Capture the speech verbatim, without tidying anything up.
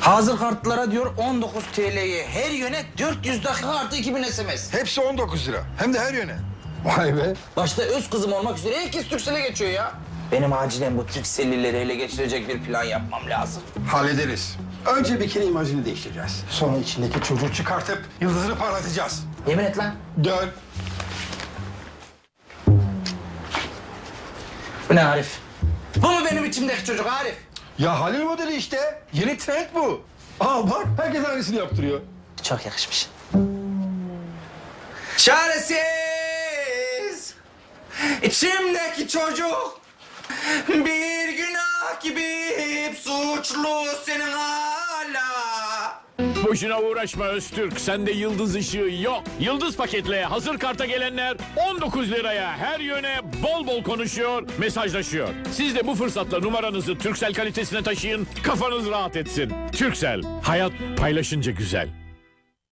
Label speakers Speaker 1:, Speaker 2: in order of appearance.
Speaker 1: Hazır kartlara diyor on dokuz T L'ye her yöne dört yüz dakika artı iki bin S M S.
Speaker 2: Hepsi on dokuz lira. Hem de her yöne. Vay be.
Speaker 1: Başta öz kızım olmak üzere herkes Turkcell'e geçiyor ya. Benim acilen bu Turkcell'lileri ele geçirecek bir plan yapmam lazım.
Speaker 2: Hallederiz. Önce bir kere imajını değiştireceğiz. Sonra içindeki çocuğu çıkartıp yıldızını parlatacağız.
Speaker 1: Yemin et lan.
Speaker 2: Dön.
Speaker 1: Bu ne Arif? Bu mu benim içimdeki çocuk Arif?
Speaker 2: Ya Halil modeli işte. Yeni trend bu. Aa bak herkes aynısını yaptırıyor.
Speaker 1: Çok yakışmış. Çaresiz içimdeki çocuk bir günah gibi hep suçlu senin hala.
Speaker 3: Boşuna uğraşma Öztürk. Sende yıldız ışığı yok. Yıldız paketle hazır karta gelenler on dokuz liraya her yöne bol bol konuşuyor, mesajlaşıyor. Siz de bu fırsatla numaranızı Turkcell kalitesine taşıyın, kafanız rahat etsin. Turkcell, hayat paylaşınca güzel.